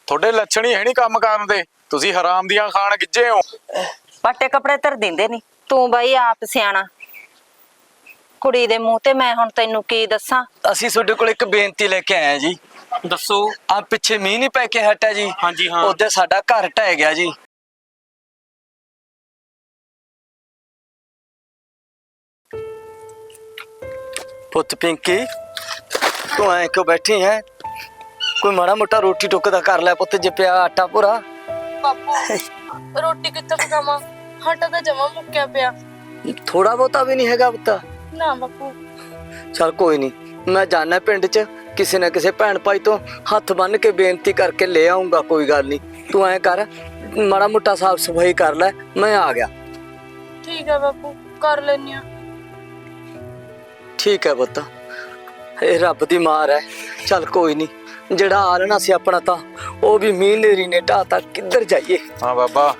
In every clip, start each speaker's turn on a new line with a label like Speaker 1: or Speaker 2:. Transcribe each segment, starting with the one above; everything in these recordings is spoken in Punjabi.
Speaker 1: ਤੁਹਾਡੇ ਲੱਛਣ ਹੀ ਹੈ ਨਹੀਂ ਕੰਮ ਕਰਨ ਦੇ। ਤੁਸੀਂ ਹਰਾਮ ਦੀਆਂ ਖਾਣ ਗਿੱਜੇ ਹੋ।
Speaker 2: ਪਾਟੇ ਕੱਪੜੇ ਧਰ ਦਿੰਦੇ ਨਹੀਂ। ਤੂੰ ਬਾਈ ਆਪ ਸਿਆਣਾ। ਕੁੜੀ ਦੇ ਮੂੰਹ ਤੇ ਮੈਂ ਹੁਣ ਤੈਨੂੰ ਕੀ ਦੱਸਾਂ।
Speaker 3: ਅਸੀਂ ਤੁਹਾਡੇ ਕੋਲ ਇੱਕ ਬੇਨਤੀ ਲੈ ਕੇ ਆਏ ਆ ਜੀ।
Speaker 4: ਦੱਸੋ।
Speaker 3: ਆ ਪਿੱਛੇ ਮੀਂਹ ਨਹੀਂ ਪੈ ਕੇ ਹਟਿਆ ਜੀ।
Speaker 4: ਹਾਂਜੀ ਹਾਂ।
Speaker 3: ਉਹਦੇ ਸਾਡਾ ਘਰ ਢਹਿ ਗਿਆ ਜੀ। ਪੁੱਤ ਪਿੰਕੀ, ਤੂੰ ਐ ਕਿਉਂ ਬੈਠੀ ਹੈ? ਕੋਈ ਮਾੜਾ ਮੋਟਾ ਰੋਟੀ ਟੁੱਕ ਦਾ ਕਰ ਲੈ ਪੁੱਤ, ਜੇ ਪਿਆ ਆਟਾ ਪੂਰਾ।
Speaker 5: ਬਾਪੂ ਰੋਟੀ ਕਿੱਥੋਂ ਪਕਾਵਾਂ? ਆਟਾ ਤਾਂ ਜਮਾ ਮੁੱਕਿਆ ਪਿਆ।
Speaker 3: ਥੋੜਾ ਬਹੁਤਾ ਵੀ ਨਹੀਂ ਹੈਗਾ ਪੁੱਤ?
Speaker 5: ਨਾ ਬਾਪੂ।
Speaker 3: ਚਲ ਕੋਈ ਨਹੀਂ, ਮੈਂ ਜਾਣਾ ਪਿੰਡ 'ਚ ਕਿਸੇ ਨਾ ਕਿਸੇ ਭੈਣ ਭਾਈ ਤੋਂ ਹੱਥ ਬੰਨ ਕੇ ਬੇਨਤੀ ਕਰਕੇ ਲੈ ਆਉਂਗਾ। ਕੋਈ ਗੱਲ ਨਹੀਂ, ਤੂੰ ਐ ਕਰ ਮਾੜਾ ਮੋਟਾ ਸਾਫ ਸਫਾਈ ਕਰ ਲੈ, ਮੈਂ ਆ ਗਿਆ।
Speaker 5: ਠੀਕ ਹੈ ਬਾਪੂ, ਕਰ ਲੈਨੀ ਆ।
Speaker 3: ਠੀਕ ਹੈ ਪੁੱਤ, ਇਹ ਰੱਬ ਦੀ ਮਾਰ ਹੈ। ਚੱਲ ਕੋਈ ਨਹੀਂ, ਜਿਹੜਾ ਆਲਣਾ ਸੀ ਆਪਣਾ ਤਾਂ ਉਹ ਵੀ ਮੀਂਹ ਨੇਰੀ ਨੇ ਢਾਤਾ। ਕਿੱਧਰ ਜਾਈਏ?
Speaker 1: ਹਾਂ ਬਾਬਾ,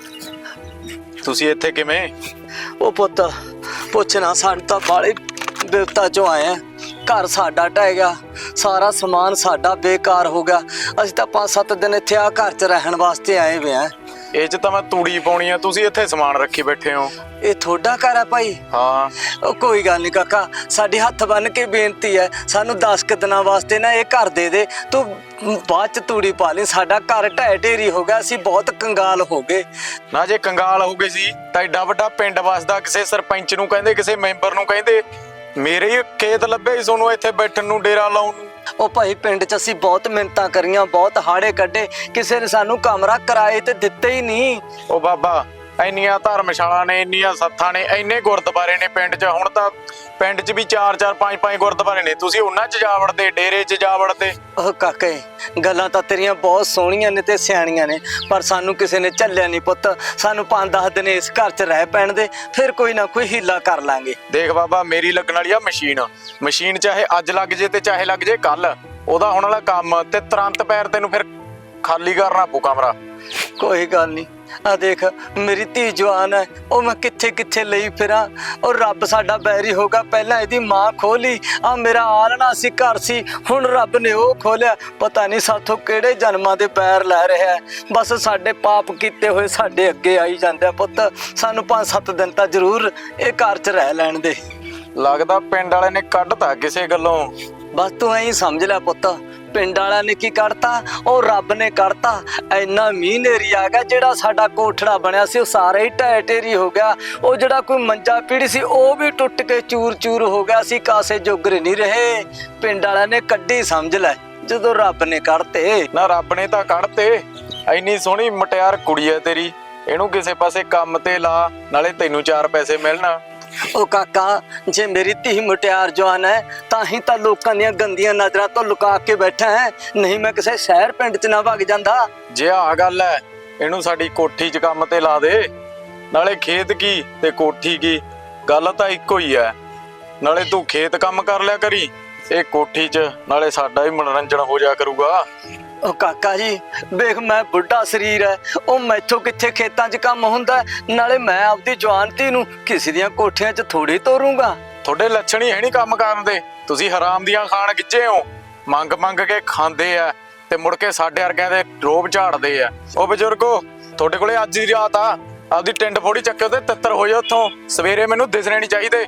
Speaker 1: ਤੁਸੀਂ ਇੱਥੇ ਕਿਵੇਂ?
Speaker 3: ਉਹ ਪੁੱਤ ਪੁੱਛਣਾ, ਸਾਨੂੰ ਤਾਂ ਬਾਲੇ ਬਿਪਤਾ ਚੋਂ ਆਏ ਆ। ਘਰ ਸਾਡਾ ਢਹਿ ਗਿਆ, ਸਾਰਾ ਸਮਾਨ ਸਾਡਾ ਬੇਕਾਰ ਹੋ ਗਿਆ। ਅਸੀਂ ਤਾਂ 5-7 ਦਿਨ ਇੱਥੇ ਆ ਘਰ 'ਚ ਰਹਿਣ ਵਾਸਤੇ ਆਏ ਵੇ ਆ।
Speaker 1: ਇਹ 'ਚ ਤਾਂ ਮੈਂ ਤੂੜੀ ਪਾਉਣੀ ਆ, ਤੁਸੀਂ ਇੱਥੇ ਸਮਾਨ ਰੱਖੀ ਬੈਠੇ ਹੋ।
Speaker 3: ਇਹ ਤੁਹਾਡਾ ਘਰ ਹੈ ਭਾਈ?
Speaker 1: ਹਾਂ।
Speaker 3: ਉਹ ਕੋਈ ਗੱਲ ਨਹੀਂ ਕਾਕਾ, ਸਾਡੀ ਹੱਥ ਬੰਨ ਕੇ ਬੇਨਤੀ ਹੈ, ਸਾਨੂੰ 10 ਕੁ ਦਿਨਾਂ ਵਾਸਤੇ ਨਾ ਇਹ ਘਰ ਦੇ ਦੇ। ਤੂੰ ਬਾਅਦ 'ਚ ਤੂੜੀ ਪਾ ਲਈ। ਸਾਡਾ ਘਰ ਢਹਿ ਢੇਰੀ ਹੋ ਗਿਆ, ਅਸੀਂ ਬਹੁਤ ਕੰਗਾਲ ਹੋ ਗਏ।
Speaker 1: ਨਾ ਜੇ ਕੰਗਾਲ ਹੋ ਗਏ ਸੀ ਤਾਂ ਏਡਾ ਵੱਡਾ ਪਿੰਡ ਵਸਦਾ, ਕਿਸੇ ਸਰਪੰਚ ਨੂੰ ਕਹਿੰਦੇ, ਕਿਸੇ ਮੈਂਬਰ ਨੂੰ ਕਹਿੰਦੇ। ਮੇਰੇ ਹੀ ਖੇਤ ਲੱਭੇ ਸੀ ਤੁਹਾਨੂੰ ਇੱਥੇ ਬੈਠਣ ਨੂੰ, ਡੇਰਾ ਲਾਉਣ ਨੂੰ।
Speaker 3: ਉਹ ਭਾਈ ਪਿੰਡ 'ਚ ਅਸੀਂ ਬਹੁਤ ਮਿਹਨਤਾਂ ਕਰੀਆਂ, ਬਹੁਤ ਹਾੜੇ ਕੱਢੇ, ਕਿਸੇ ਨੇ ਸਾਨੂੰ ਕਮਰਾ ਕਿਰਾਏ ਤੇ ਦਿੱਤੇ ਹੀ ਨਹੀਂ।
Speaker 1: ਉਹ ਬਾਬਾ, ਇੰਨੀਆਂ ਧਰਮਸ਼ਾਲਾ ਨੇ, ਇੰਨੀਆਂ ਸੱਥਾਂ ਨੇ, ਇੰਨੇ ਗੁਰਦੁਆਰੇ ਨੇ ਪਿੰਡ 'ਚ। ਹੁਣ ਤਾਂ ਪਿੰਡ 'ਚ ਵੀ 4-4 5-5 ਗੁਰਦੁਆਰੇ ਨੇ, ਤੁਸੀਂ ਉਹਨਾਂ 'ਚ ਜਾ ਵੜਦੇ, ਡੇਰੇ 'ਚ ਜਾ ਵੜਦੇ।
Speaker 3: ਉਹ ਕਾਕੇ, ਗੱਲਾਂ ਤਾਂ ਤੇਰੀਆਂ ਬਹੁਤ ਸੋਹਣੀਆਂ ਨੇ ਤੇ ਸਿਆਣੀਆਂ ਨੇ, ਪਰ ਸਾਨੂੰ ਕਿਸੇ ਨੇ ਝੱਲਿਆ ਨਹੀਂ ਪੁੱਤ। ਸਾਨੂੰ 5-10 ਦਿਨ ਇਸ ਘਰ 'ਚ ਰਹਿ ਪੈਣ ਦੇ, ਫਿਰ ਕੋਈ ਨਾ ਕੋਈ ਹੀਲਾ ਕਰ ਲਾਂਗੇ।
Speaker 1: ਦੇਖ ਬਾਬਾ, ਮੇਰੀ ਲੱਗਣ ਵਾਲੀ ਆ ਮਸ਼ੀਨ ਚਾਹੇ ਅੱਜ ਲੱਗ ਜੇ ਤੇ ਚਾਹੇ ਲੱਗ ਜੇ ਕੱਲ, ਉਹਦਾ ਹੁਣ ਵਾਲਾ ਕੰਮ ਤੇ ਤੁਰੰਤ ਪੈਰ ਤੈਨੂੰ ਫਿਰ ਖਾਲੀ ਕਰਨਾ ਪਊ ਕਮਰਾ।
Speaker 3: ਕੋਈ ਗੱਲ ਨਹੀਂ, ਆ ਦੇਖ ਮੇਰੀ ਧੀ ਜਵਾਨ ਹੈ, ਉਹ ਮੈਂ ਕਿੱਥੇ ਕਿੱਥੇ ਲਈ ਫਿਰਾਂ। ਉਹ ਰੱਬ ਸਾਡਾ ਬੈਰੀ ਹੋਗਾ। ਪਹਿਲਾਂ ਇਹਦੀ ਮਾਂ ਖੋਲੀ, ਆ ਮੇਰਾ ਆਲਣਾ ਸੀ, ਘਰ ਸੀ, ਹੁਣ ਰੱਬ ਨੇ ਉਹ ਖੋਲਿਆ। ਪਤਾ ਨਹੀਂ ਸਾਥੋਂ ਕਿਹੜੇ ਜਨਮਾਂ ਦੇ ਪੈਰ ਲੈ ਰਿਹਾ। ਬਸ ਸਾਡੇ ਪਾਪ ਕੀਤੇ ਹੋਏ ਸਾਡੇ ਅੱਗੇ ਆਈ ਜਾਂਦੇ ਆ ਪੁੱਤ। ਸਾਨੂੰ 5-7 ਦਿਨ ਤਾਂ ਜ਼ਰੂਰ ਇਹ ਘਰ 'ਚ ਰਹਿ ਲੈਣ ਦੇ।
Speaker 1: ਲੱਗਦਾ ਪਿੰਡ ਵਾਲੇ ਨੇ ਕੱਢਤਾ ਕਿਸੇ ਗੱਲੋਂ।
Speaker 3: ਬਸ ਤੂੰ ਐਂ ਸਮਝ ਲੈ ਪੁੱਤ, ਪਿੰਡ ਵਾਲਿਆਂ ਨੇ ਕੀ ਕੱਢਤਾ, ਉਹ ਰੱਬ ਨੇ ਕੱਢਤਾ। ਇੰਨਾ ਮੀਂਹ ਨੇਰੀ ਆ ਗਿਆ, ਜਿਹੜਾ ਸਾਡਾ ਕੋਠੜਾ ਬਣਿਆ ਸੀ ਉਹ ਸਾਰਾ ਹੀ ਢਹਿ ਢੇਰੀ ਹੋ ਗਿਆ। ਉਹ ਜਿਹੜਾ ਕੋਈ ਮੰਜਾ ਪੀੜੀ ਸੀ ਉਹ ਵੀ ਟੁੱਟ ਕੇ ਚੂਰ ਚੂਰ ਹੋ ਗਿਆ। ਅਸੀਂ ਕਾਸੇ ਜੋਗਰੇ ਨਹੀਂ ਰਹੇ। ਪਿੰਡ ਵਾਲਿਆਂ ਨੇ ਕੱਢੀ ਸਮਝ ਲੈ, ਜਦੋਂ ਰੱਬ ਨੇ ਕੱਢਤੇ।
Speaker 1: ਨਾ ਰੱਬ ਨੇ ਤਾਂ ਕੱਢਤੇ। ਇੰਨੀ ਸੋਹਣੀ ਮਟਿਆਰ ਕੁੜੀ ਐ ਤੇਰੀ, ਇਹਨੂੰ ਕਿਸੇ ਪਾਸੇ ਕੰਮ ਤੇ ਲਾ, ਨਾਲੇ ਤੈਨੂੰ 4 ਪੈਸੇ ਮਿਲਣ।
Speaker 3: ਉਹ ਕਾਕਾ, ਜੇ ਮੇਰੀ ਧੀ ਮੁਟਿਆਰ ਜਵਾਨ ਹੈ ਤਾਂ ਹੀ ਤਾਂ ਲੋਕਾਂ ਦੀਆਂ ਗੰਦੀਆਂ ਨਜ਼ਰਾਂ ਤੋਂ ਲੁਕਾ ਕੇ ਬੈਠਾ ਹੈ, ਨਹੀਂ ਮੈਂ ਕਿਸੇ ਸ਼ਹਿਰ ਪਿੰਡ 'ਚ ਨਾ ਵਗ ਜਾਂਦਾ।
Speaker 1: ਜੇ ਆਹ ਗੱਲ ਐ, ਇਹਨੂੰ ਸਾਡੀ ਕੋਠੀ 'ਚ ਕੰਮ ਤੇ ਲਾ ਦੇ। ਨਾਲੇ ਖੇਤ ਕੀ ਤੇ ਕੋਠੀ ਕੀ, ਗੱਲ ਤਾਂ ਇੱਕੋ ਹੀ ਐ। ਨਾਲੇ ਤੂੰ ਖੇਤ ਕੰਮ ਕਰ ਲਿਆ ਕਰੀ, ਇਹ ਕੋਠੀ 'ਚ, ਨਾਲੇ ਸਾਡਾ ਵੀ ਮਨੋਰੰਜਨ ਹੋ ਜਾ ਕਰੂਗਾ।
Speaker 3: ਉਹ ਕਾਕਾ ਜੀ ਵੇਖ, ਮੈਂ ਬੁੱਢਾ ਸਰੀਰ ਹੈ, ਉਹ ਮੈਥੋਂ ਕਿੱਥੇ ਖੇਤਾਂ 'ਚ ਕੰਮ ਹੁੰਦਾ। ਨਾਲੇ ਮੈਂ ਆਪਦੀ ਜਵਾਨ ਧੀ ਨੂੰ ਕਿਸੇ ਦੀਆਂ ਕੋਠੀਆਂ 'ਚ ਥੋੜੀ ਤੋਰੂੰਗਾ।
Speaker 1: ਤੁਹਾਡੇ ਲੱਛਣ ਹੀ ਹੈ ਨਹੀਂ ਕੰਮ ਕਰਨ ਦੇ। ਤੁਸੀਂ ਹਰਾਮ ਦੀਆਂ ਖਾਣ ਗਿੱਜੇ ਹੋ। ਮੰਗ ਮੰਗ ਕੇ ਖਾਂਦੇ ਆ ਤੇ ਮੁੜ ਕੇ ਸਾਡੇ ਵਰਗਿਆਂ ਦੇ ਰੋਬ ਝਾੜਦੇ ਆ। ਉਹ ਬਜ਼ੁਰਗੋ, ਤੁਹਾਡੇ ਕੋਲੇ ਅੱਜ ਦੀ ਰਾਤ ਆ, ਆਪਦੀ ਟਿੰਡ ਫੋੜੀ ਚੱਕਿਓ ਤੇ ਤਿੱਤਰ ਹੋ ਜਾ ਉੱਥੋਂ। ਸਵੇਰੇ ਮੈਨੂੰ ਦਿਸਣੇ ਨਹੀਂ ਚਾਹੀਦੇ।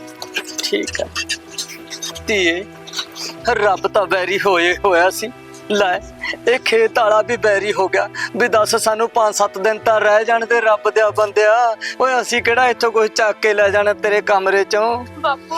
Speaker 3: ਠੀਕ ਹੈ ਧੀਏ, ਰੱਬ ਤਾਂ ਬੈਰੀ ਹੋਇਆ ਸੀ। ਲੈ ਇਹ ਖੇਤ ਵਾਲਾ ਵੀ ਬੈਰੀ ਹੋ ਗਿਆ। ਵੀ ਦੱਸ, ਸਾਨੂੰ 5-7 ਦਿਨ ਤਾਂ ਰਹਿ ਜਾਣ ਤੇ ਰੱਬ ਦਿਆ ਬੰਦਿਆ। ਓਏ ਅਸੀਂ ਕਿਹੜਾ ਇੱਥੋਂ ਕੁਝ ਚੱਕ ਕੇ ਲੈ ਜਾਣਾ ਤੇਰੇ ਕਮਰੇ 'ਚੋਂ।
Speaker 5: ਬਾਪੂ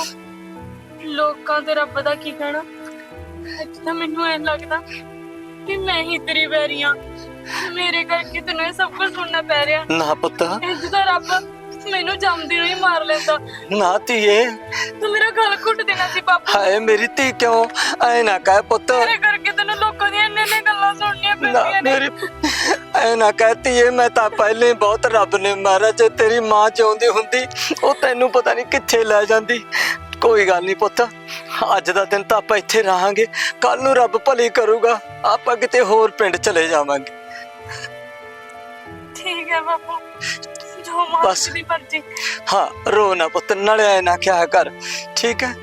Speaker 5: ਲੋਕਾਂ ਤੇ ਰੱਬ ਦਾ ਕੀ ਕਹਿਣਾ। ਅੱਜ ਤਾਂ ਮੈਨੂੰ ਐਂ ਲੱਗਦਾ ਕਿ ਮੈਂ ਹੀ ਤੇਰੀ ਵੈਰੀ ਆਂ, ਮੇਰੇ ਕਰਕੇ ਤੈਨੂੰ ਇਹ ਸਭ ਕੁਝ ਸੁਣਨਾ ਪੈ ਰਿਹਾ।
Speaker 3: ਨਾ ਪੁੱਤ,
Speaker 5: ਇੰਜ ਤਾਂ ਰੱਬ ਮੈਨੂੰ ਜੰਮਦੀ ਨੂੰ ਹੀ ਮਾਰ ਲੈਂਦਾ।
Speaker 3: ਨਾ ਧੀਏ,
Speaker 5: ਤੂੰ ਮੇਰਾ ਗਲ ਘੁੱਟ ਦੇਣਾ ਸੀ ਬਾਪੂ।
Speaker 3: ਹਾਏ ਮੇਰੀ ਧੀ, ਕਿਉਂ ਐ ਨਾ ਕਹਿ ਪੁੱਤ।
Speaker 5: ਮੇਰੇ ਕਰਕੇ ਤੈਨੂੰ ਲੋਕਾਂ ਦੀਆਂ ਇੰਨੇ ਗੱਲਾਂ ਸੁਣਨੀਆਂ ਪੈਂਦੀਆਂ ਨੇ।
Speaker 3: ਮੇਰੀ ਐ ਨਾ ਕਹਿਤੀ ਏ, ਮੈਂ ਤਾਂ ਪਹਿਲੇ ਬਹੁਤ ਰੱਬ ਨੇ ਮਾਰਿਆ। ਜੇ ਤੇਰੀ ਮਾਂ ਚਾਹੁੰਦੀ ਹੁੰਦੀ ਉਹ ਤੈਨੂੰ ਪਤਾ ਨਹੀਂ ਕਿੱਥੇ ਲੈ ਜਾਂਦੀ। ਕੋਈ ਗੱਲ ਨਹੀਂ ਪੁੱਤ, ਅੱਜ ਦਾ ਦਿਨ ਤਾਂ ਆਪਾਂ ਇੱਥੇ ਰਹਾਂਗੇ, ਕੱਲ ਨੂੰ ਰੱਬ ਭਲੀ ਕਰੂਗਾ, ਆਪਾਂ ਕਿਤੇ ਹੋਰ ਪਿੰਡ ਚਲੇ ਜਾਵਾਂਗੇ।
Speaker 5: ਠੀਕ ਹੈ ਬਾਪੂ, ਜੋ
Speaker 3: ਬਸ।
Speaker 5: ਮਾਂ ਦੀ ਮਰਜ਼ੀ।
Speaker 3: ਹਾਂ, ਰੋ ਨਾ ਪੁੱਤ, ਨਾਲੇ ਐ ਨਾ ਕਿਹਾ ਕਰ, ਠੀਕ ਹੈ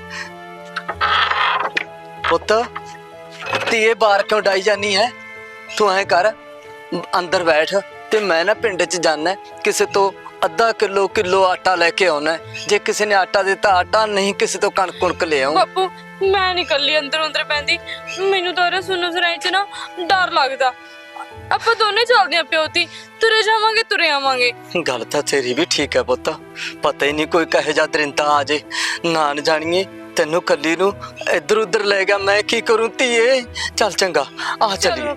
Speaker 3: ਪੁੱਤ। ਧੀਏ ਬਾਹਰ ਕਿਉਂ ਡਾਈ ਜਾਨੀ ਹੈ? ਤੂੰ ਐ ਕਰ, ਅੰਦਰ ਬੈਠ ਤੇ ਮੈਂ ਨਾ ਪਿੰਡ 'ਚ ਜਾਣਾ ਕਿਸੇ ਤੋਂ ਅੱਧਾ ਕਿਲੋ ਆਟਾ ਲੈ ਕੇ ਆਉਣਾ। ਜੇ ਕਿਸੇ ਨੇ ਆਟਾ ਦਿੱਤਾ ਆਟਾ, ਨਹੀਂ ਕਿਸੇ ਤੋਂ ਕਣਕ ਕੁਣਕ ਲੈ ਆਉਂ।
Speaker 5: ਬਾਪੂ ਮੈਂ ਨੀ ਇਕੱਲੀ ਅੰਦਰ ਅੰਦਰ ਪੈਂਦੀ, ਮੈਨੂੰ ਤਾਂ ਸੁਣੋ ਸਰਾਈ ਚ ਨਾ ਡਰ ਲੱਗਦਾ। ਆਪਾਂ ਦੋਨੇ ਚੱਲਦੇ ਆ ਪਿਓ ਧੀ, ਤੁਰੇ ਜਾਵਾਂਗੇ ਤੁਰੇ ਆਵਾਂਗੇ।
Speaker 3: ਗੱਲ ਤਾਂ ਤੇਰੀ ਵੀ ਠੀਕ ਹੈ ਪੁੱਤ, ਪਤਾ ਹੀ ਨਹੀਂ ਕੋਈ ਕਹੇ ਜਾ ਦਰਿੰਦਾ ਆ ਜੇ, ਨਾ ਜਾਣੀਏ ਤੈਨੂੰ ਕੱਲੀ ਨੂੰ ਇੱਧਰ ਉੱਧਰ ਲੈ ਗਿਆ, ਮੈਂ ਕੀ ਕਰੂੰ ਧੀਏ। ਚੱਲ ਚੰਗਾ ਆ ਚੱਲੀਏ।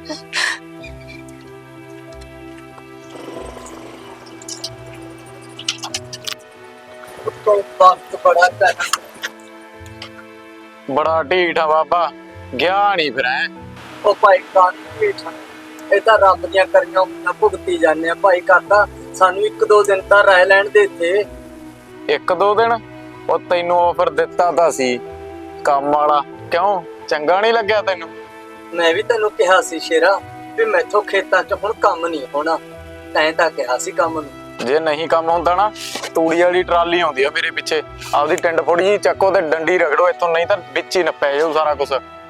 Speaker 1: ਬੜਾ ਢੀਠ ਆ ਬਾਬਾ, ਗਿਆ ਨਹੀਂ ਫਿਰ ਐ।
Speaker 3: ਉਹ ਭਾਈ ਕਾਨ ਢੀਠ, ਇਹ ਤਾਂ ਰੱਬ ਦੀਆਂ ਕਰੀਆਂ ਉਮੀਦਾਂ ਭੁਗਤੀ ਜਾਂਦੇ ਆ ਭਾਈ ਕਾਕਾ। ਸਾਨੂੰ 1-2 ਦਿਨ ਤਾਂ ਰਹਿ ਲੈਣ ਦੇ ਇੱਥੇ।
Speaker 1: 1-2 ਦਿਨ? ਉਹ ਤੈਨੂੰ ਆਫਰ ਦਿੱਤਾ ਤਾਂ ਸੀ ਕੰਮ ਵਾਲਾ, ਕਿਉਂ ਚੰਗਾ ਨਹੀਂ ਲੱਗਿਆ ਤੈਨੂੰ?
Speaker 3: ਮੈਂ ਵੀ ਤੈਨੂੰ ਕਿਹਾ ਸੀ ਸ਼ੇਰਾ ਵੀ ਮੈਥੋਂ ਖੇਤਾਂ 'ਚ ਹੁਣ ਕੰਮ ਨਹੀਂ ਹੋਣਾ, ਤੈਂ ਤਾਂ ਕਿਹਾ ਸੀ ਕੰਮ ਨੂੰ।
Speaker 1: ਜੇ ਨਹੀਂ ਕੰਮ ਹੁੰਦਾ ਨਾ, ਤੂੜੀ ਵਾਲੀ ਟਰਾਲੀ ਆਉਂਦੀ ਆ ਮੇਰੇ ਪਿੱਛੇ, ਆਪਦੀ ਟਿੰਡ ਫੋੜੀ ਜੀ ਚੱਕੋ ਤੇ ਡੰਡੀ ਰਗੜੋ ਇੱਥੋਂ, ਨਹੀਂ ਤਾਂ ਵਿੱਚ ਹੀ ਨੱਪਿਆ ਜਾਊ ਸਾਰਾ ਕੁਝ।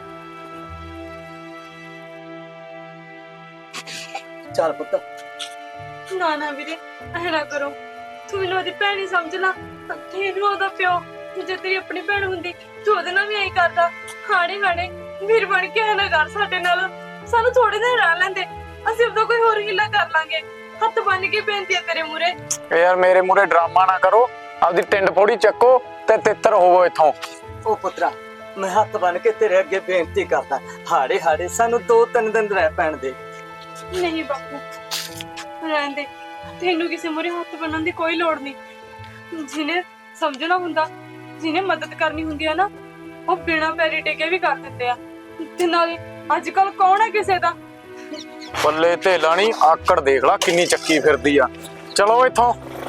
Speaker 3: ਚੱਲ ਪੁੱਤ।
Speaker 5: ਨਾ ਨਾ ਵੀਰੇ ਐ ਨਾ ਕਰੋ, ਤੂੰ ਮੈਨੂੰ ਉਹਦੀ ਭੈਣ ਹੀ ਸਮਝ ਲਾ, ਤੈਨੂੰ ਉਹਦਾ ਪਿਓ। ਜੇ ਤੇਰੀ ਆਪਣੀ ਭੈਣ ਹੁੰਦੀ ਤੂੰ ਉਹਦੇ ਨਾਲ ਵੀ ਐਂ ਕਰਦਾ। ਹਾੜੇ ਹਾੜੇ ਵੀਰ ਬਣ ਕੇ ਐ ਨਾ ਕਰ ਸਾਡੇ ਨਾਲ, ਸਾਨੂੰ ਥੋੜੇ ਦਿਨ ਰਹਿ ਲੈਂਦੇ, ਅਸੀਂ ਉਹਦਾ ਕੋਈ ਹੋਰ ਹੀਲਾ ਕਰ ਲਾਂਗੇ। ਹੱਥ ਬੰਨ ਕੇ ਬੇਨਤੀ ਆ ਤੇਰੇ ਮੂਰੇ।
Speaker 1: ਯਾਰ ਮੇਰੇ ਮੂਰੇ ਡਰਾਮਾ ਨਾ ਕਰੋ, ਆਪਦੀ ਟਿੰਡ ਫੋੜੀ ਚੱਕੋ ਤੇ ਤਿੱਤਰ ਹੋਵੋ ਇੱਥੋਂ।
Speaker 3: ਉਹ ਪੁੱਤਰਾ ਮੈਂ ਹੱਥ ਬੰਨ ਕੇ ਤੇਰੇ ਅੱਗੇ ਬੇਨਤੀ ਕਰਦਾ, ਹਾੜੇ ਹਾੜੇ ਸਾਨੂੰ 2-3 ਦਿਨ ਰਹਿ ਪੈਣ ਦੇ।
Speaker 5: ਨਹੀਂ ਬਾਪੂ ਰਹਿਣ ਦੇ, ਤੈਨੂੰ ਕਿਸੇ ਮੂਰੇ ਹੱਥ ਬੰਨਣ ਦੀ ਕੋਈ ਲੋੜ ਨਹੀਂ। ਜਿਹਨੇ ਸਮਝਣਾ ਹੁੰਦਾ, ਜਿਹਨੇ ਮਦਦ ਕਰਨੀ ਹੁੰਦੀ ਆ ਨਾ, ਉਹ ਬਿਨਾਂ ਪੈਰੀ ਟੇਕੇ ਵੀ ਕਰ ਦਿੰਦੇ ਆ। ਤੇ ਨਾਲੇ ਅੱਜ ਕੱਲ ਕੌਣ ਹੈ ਕਿਸੇ ਦਾ।
Speaker 1: ਬੱਲੇ ਤੇ ਲਾਣੀ ਆਕੜ ਦੇਖ ਲਾ ਕਿੰਨੀ ਚੱਕੀ ਫਿਰਦੀ ਆ। ਚਲੋ ਇੱਥੋਂ।